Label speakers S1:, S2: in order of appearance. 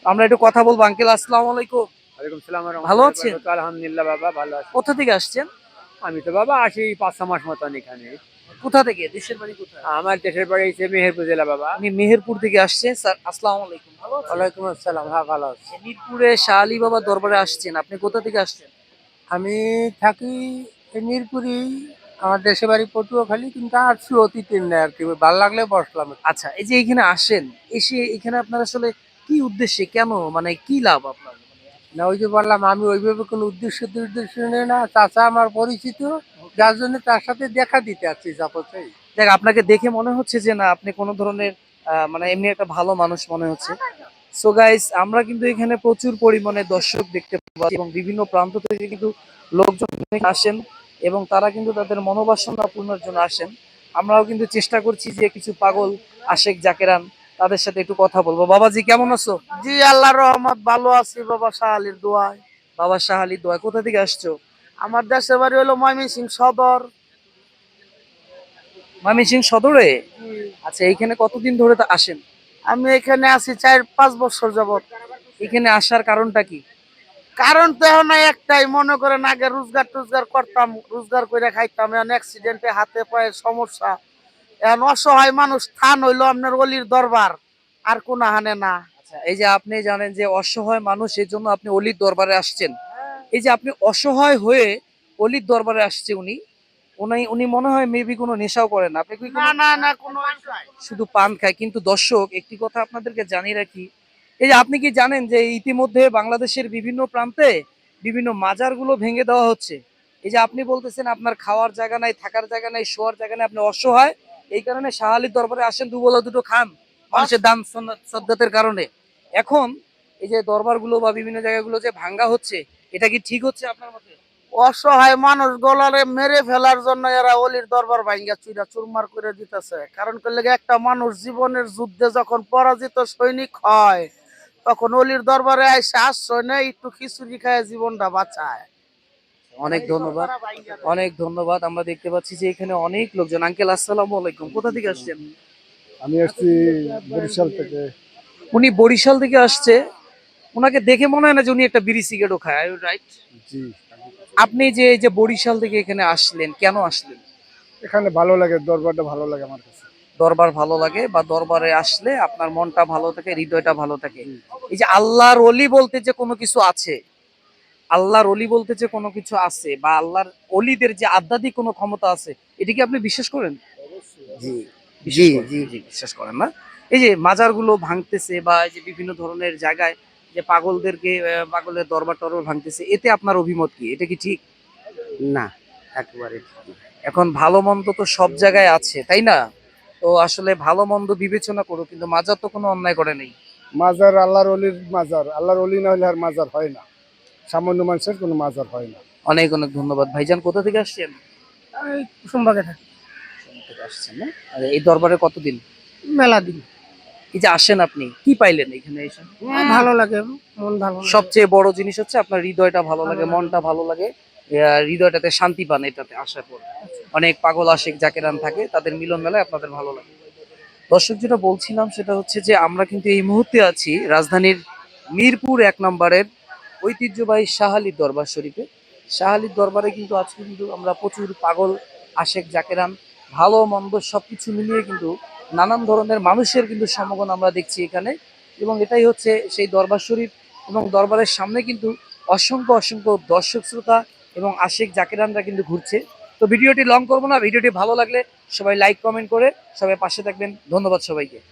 S1: আমরা একটু কথা বলবো। আঙ্কেল আসসালামু আলাইকুম।
S2: ওয়ালাইকুম সালাম ওয়া
S1: ভালো
S2: রাহমাতুল্লাহি ওয়া
S1: আছেন?
S2: বারাকাতুহু। আলহামদুলিল্লাহ বাবা ভালো আছি।
S1: কোথা থেকে আসছেন?
S2: আমি তো বাবা আসি ৫-৬ মাস মতন এখানে।
S1: কোথা থেকে? দেশের বাড়ি কোথায়?
S2: আমার দেশের বাড়ি হচ্ছে মেহেরপুর জেলা বাবা।
S1: উনি মেহেরপুর থেকে আসছে। স্যার আসসালামু আলাইকুম। ভালো আছেন?
S2: ওয়ালাইকুম আসসালাম। হ্যাঁ, ভালো আছি।
S1: মিরপুরে শাহ আলী বাবার দরবারে আসছেন। আপনি কোথা থেকে আসছেন?
S2: আমি থাকি এই মিরপুরেই। আমার দেশের বাড়ি পটুয়াখালী, কিন্তু আসছি অতিথির নেই আরকি। ভাল লাগলে বসলাম একটু।
S1: আচ্ছা, এই যে এখানে আসেন, এসে এখানে আপনার আসলে কি উদ্দেশ্যে, কেন, মানে কি লাভ আপনার?
S2: না, ওই যে বললাম আমি ওইভাবে কোনো উদ্দেশ্য নেই না। চাচা আমার পরিচিত, যার জন্য তার সাথে দেখা দিতে আসছি চাপোতেই।
S1: দেখ, আপনাকে দেখে মনে হচ্ছে যে না আপনি কোনো ধরনের মানে এমনি একটা ভালো মানুষ মনে হচ্ছে। সো গাইস, আমরা কিন্তু এখানে প্রচুর পরিমাণে দর্শক দেখতে পাচ্ছি এবং বিভিন্ন প্রান্ত থেকে কিন্তু লোকজন এখানে আসেন এবং তারা কিন্তু তাদের মনোবাসনা পূর্ণের জন্য আসেন। আমরাও কিন্তু চেষ্টা করছি যে কিছু পাগল আশেক জাকেরান তাদের সাথে একটু কথা বলবো। বাবাজি কেমন আছো?
S3: জি, আল্লাহর রহমত, ভালো আছি বাবা, শাহ আলীর দোয়ায়।
S1: বাবা শাহ আলী দোয়া। কোথা থেকে আসছো?
S3: আমার দেশের বাড়ি হলো ময়মনসিংহ সদর।
S1: ময়মনসিংহ সদরে? আচ্ছা, এইখানে কতদিন ধরে তা আসেন?
S3: আমি এখানে আছি 4-5 বছর যাবত।
S1: এখানে আসার কারণটা কি?
S3: কারণ তো এখন একটাই, মনে করেন আগে রোজগার টোজগার করতাম, রোজগার করে খাইতাম, এখন অ্যাক্সিডেন্টে হাতে পায়ে সমস্যা। এখন অসহায় মানুষ, স্থান হইলো আপনার অলির দরবার, আর কোন হানে না।
S1: আচ্ছা, এই যে আপনি জানেন যে অসহায় মানুষ, এর জন্য আপনি অলির দরবারে আসছেন। এই যে আপনি অসহায় হয়ে অলির দরবারে আসছে উনি, উনি মনে হয় মেবি কোনো নেশাও করেন না। আপনি কি
S3: না না না, কোনো
S1: শুধু পান খায়? কিন্তু দর্শক, একটি কথা আপনাদেরকে জানিয়ে রাখি, এই যে আপনি কি জানেন যে ইতিমধ্যে বাংলাদেশের বিভিন্ন প্রান্তে বিভিন্ন মাজারগুলো ভেঙে দেওয়া হচ্ছে। এই যে আপনি বলতেছেন আপনার খাওয়ার জায়গা নাই, থাকার জায়গা নাই, শোয়ার জায়গা নাই, আপনি অসহায়, এই কারণে শাহ আলীর দরবারে আসেন, দুবেলা দুটো খান মানুষের দান সদ্গাতের কারণে। এখন এই যে দরবারগুলো বা বিভিন্ন জায়গাগুলো যে ভাঙ্গা হচ্ছে, এটা কি ঠিক হচ্ছে আপনার মতে?
S3: অসহায় মানুষ গলারে মেরে ফেলার জন্য এরা অলির দরবার ভাঙ্গা চুরা চুরমার করে দিতেছে। কারণ করলে একটা মানুষ জীবনের যুদ্ধে যখন পরাজিত সৈনিক হয়, তখন অলির দরবারে এসে আশ্রয় নেয়, একটু খিচুড়ি খায় জীবনটা বাঁচায়।
S1: অনেক ধন্যবাদ, অনেক ধন্যবাদ। আমরা দেখতে পাচ্ছি যে এখানে অনেক লোকজন। আঙ্কেল আসসালামু আলাইকুম। কোথা থেকে আসছেন?
S4: আমি আসছি বরিশাল থেকে।
S1: উনি বরিশাল থেকে আসছে। ওনাকে দেখে মনে হয় না যে উনি একটা বিড়ি সিগারেটও খায়, রাইট?
S4: জি,
S1: আপনি যে এই যে বরিশাল থেকে এখানে আসলেন, কেন আসলেন?
S4: এখানে ভালো লাগে, দরবারটা ভালো লাগে আমার কাছে।
S1: দরবার ভালো লাগে, বা দরবারে আসলে আপনার মনটা ভালো থাকে, হৃদয়টা ভালো থাকে।
S4: জি,
S1: এই যে আল্লাহর অলি বলতে যে কোনো কিছু আছে, আল্লাহর অলি বলতে যে কোনো কিছু আছে, বা আল্লাহর অলিদের যে আধ্যাত্মিক কোনো ক্ষমতা আছে, এটা কি আপনি বিশ্বাস করেন?
S3: জি
S1: বিশ্বাস
S3: জি
S1: করেন?
S3: জি
S1: জি, বিশ্বাস করেন না? এই যে মাজারগুলো ভাঙতেছে বা এই যে বিভিন্ন ধরনের জায়গায় যে পাগলদেরকে পাগলের দরবার টরবার ভাঙতেছে, এতে আপনার অভিমত কি? এটা কি ঠিক?
S3: না, একেবারে ঠিক না।
S1: এখন ভালো মন্দ তো সব জায়গায় আছে, তাই না? তো আসলে ভালো মন্দ বিবেচনা করো, কিন্তু মাজার তো কোনো অন্যায় করে নেই।
S4: মাজার আল্লাহর অলির মাজার, আল্লাহর অলি না হলে আর মাজার হয় না। সামান্য মানুষের কোনো মাজার হয় না।
S1: অনেক অনেক ধন্যবাদ। ভাইজান কোথা থেকে আসছেন?
S3: আমি কুসুমবাগে থাকি।
S1: কোথা থেকে আসছেন না? আর এই দরবারে কতদিন?
S3: মেলা দিন।
S1: এই যে আসেন, আপনি কি পাইলেন এখানে এসে?
S3: ভালো লাগে, মন ভালো লাগে।
S1: সবচেয়ে বড় জিনিস হচ্ছে আপনার হৃদয়টা ভালো লাগে,
S3: ভালো লাগে।
S1: মনটা ভালো লাগে, হৃদয়টাতে শান্তি পান এটাতে আসার পর। অনেক পাগল আশিক জাকেরান থাকে, তাদের মিলন মেলায় আপনাদের ভালো লাগে। দর্শক, যেটা বলছিলাম সেটা হচ্ছে যে আমরা কিন্তু এই মুহূর্তে আছি রাজধানীর মিরপুর 1 নম্বরের ঐতিহ্যবাহী শাহ আলীর দরবার শরীফে। শাহ আলীর দরবারে কিন্তু আজকে কিন্তু আমরা প্রচুর পাগল আশেক জাকেরান, ভালো মন্দ সবকিছু মিলিয়ে কিন্তু নানান ধরনের মানুষের কিন্তু সমাগম আমরা দেখছি এখানে। এবং এটাই হচ্ছে সেই দরবার শরীফ, এবং দরবারের সামনে কিন্তু অসংখ্য অসংখ্য দর্শক শ্রোতা এবং আশেক জাকেরানরা কিন্তু ঘুরছে। তো ভিডিওটি লং করবো না, ভিডিওটি ভালো লাগলে সবাই লাইক কমেন্ট করে সবাই পাশে থাকবেন। ধন্যবাদ সবাইকে।